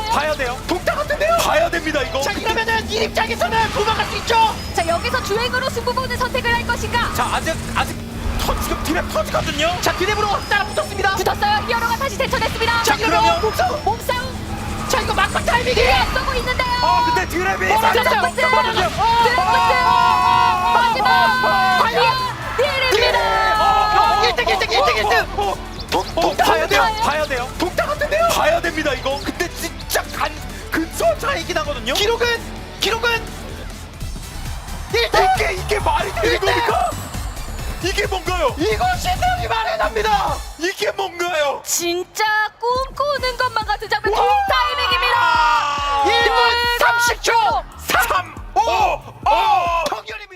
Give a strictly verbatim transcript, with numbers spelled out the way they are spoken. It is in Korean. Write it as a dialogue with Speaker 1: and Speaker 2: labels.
Speaker 1: 봐야 돼요.
Speaker 2: 독타 같은데요?
Speaker 1: 봐야 됩니다 이거.
Speaker 2: 자 이러면은 이 입장에서는 도망갈 수 있죠.
Speaker 3: 자 여기서 주행으로 승부 보는 선택을 할 것인가?
Speaker 1: 자 아직 아직 터 지금 드랩 터지거든요.
Speaker 2: 자 디랩으로 따라 붙었습니다.
Speaker 3: 붙었어요. 히어로가 다시 대처됐습니다.
Speaker 2: 자
Speaker 1: 그러면
Speaker 2: 그러면 몸싸움.
Speaker 3: 몸싸움
Speaker 2: 자 이거 막판 타이밍이.
Speaker 3: 뒤에 앞서고 있는데요.
Speaker 1: 아 근데 드랩이
Speaker 2: 멀어졌어요.
Speaker 3: 드래프트!
Speaker 2: 멀어졌어요.
Speaker 3: 드래프트! 마지막
Speaker 2: 과연
Speaker 3: 딜입니다.
Speaker 2: 일 등 일 등 일 등 일 등.
Speaker 1: 어,
Speaker 2: 독
Speaker 1: 어,
Speaker 2: 독타
Speaker 1: 봐야 돼요.
Speaker 2: 같은데요?
Speaker 1: 봐야 돼요.
Speaker 2: 독타 같은데요?
Speaker 1: 봐야 됩니다 이거. 근데 진짜 간 근소 차이긴 하거든요.
Speaker 2: 기록은 기록은 일 등.
Speaker 1: 이게 이게 말이 되는
Speaker 2: 일 등!
Speaker 1: 겁니까? 이게 뭔가요?
Speaker 2: 이거 신명이 말해납니다.
Speaker 1: 이게 뭔가요?
Speaker 3: 진짜 꿈꾸는 것만 같은 장면. 동
Speaker 1: 와!
Speaker 3: 타이밍입니다.
Speaker 2: 일 분 삼십 초.
Speaker 1: 삼, 오, 오.
Speaker 2: 정렬입니다.